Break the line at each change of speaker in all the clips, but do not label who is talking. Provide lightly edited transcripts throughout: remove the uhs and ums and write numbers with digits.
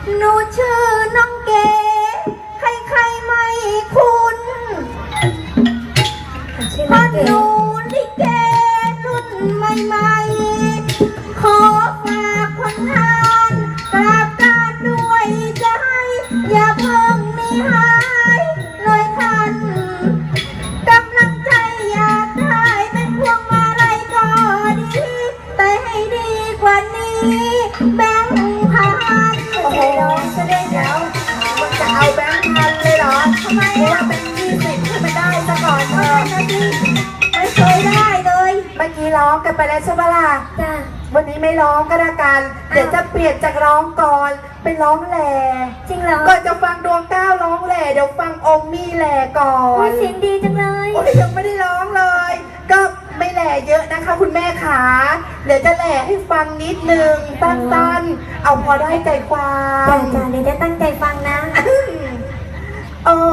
หนูชื่อน้องเก๋ใครๆไม่คุ้นเพราะหนูลิเกรุ่นใหม่ๆขอฝากคนทานกราบการด้วยใจอย่าเพิ่งหนีหายเลยท่านกำลังใจอยากได้เป็นพวงมาลัยก็ดีแต่ให้ดีกว่านี้แบงค์พันโอ้โหจะได้เดี๋ยวมันจะเอาแบงค์พันเลยเหรอทำไมว่าเป็น20ขึ้นมาได้ซะก่อนเถอะไม่เคยได้เลยเมื่อกี้ร้องกันไปแล้วใช่ไหมล่ะจ้ะวันนี้ไม่ร้องก็แล้วกันเดี๋ยวจะเปลี่ยนจากร้องก่อนเป็นร้องแหล่จริงเหรอก่อนจะฟังดวงก้าวร้องแหล่เดี๋ยวฟังองค์มี่แหล่ก่อนเสียงดีจังเลยโอ้ยยังไม่ได้ร้องเลยก็ไม่แหล่เยอะนะคะคุณแม่ขาเดี๋ยวจะแหล่ให้ฟังนิดนึงสั้นๆเอาพอได้ใจความจ้าเดี๋ยวจะตั้งใจฟังนะโอ้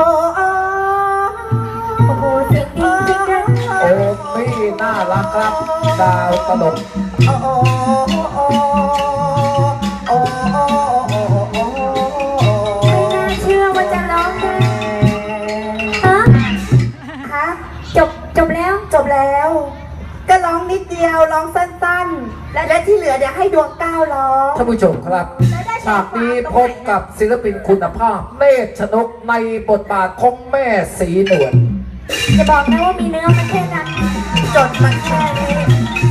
โอ้โหเสียงดีจริงๆนะ
โอ้พี่น่ารักครับดาวตลก
โอ้โอ้โอ้โอ้โอ้โอ้ไม่น่าเชื่อว่าจะร้องได้ฮะจบแล้วก็ร้องนิดเดียวร้องสั้นๆและที่เหลือเดี๋ยวให้ดวงก้าวร้อง
ท่านผู้ชมครับฉากนี้พบกับศิลปินคุณภาพเนตรชนกในบทบาทของแม่สีนวล
จะบอกนะว่ามีเนื้อมันแค่นั้นจดมันแค่นี้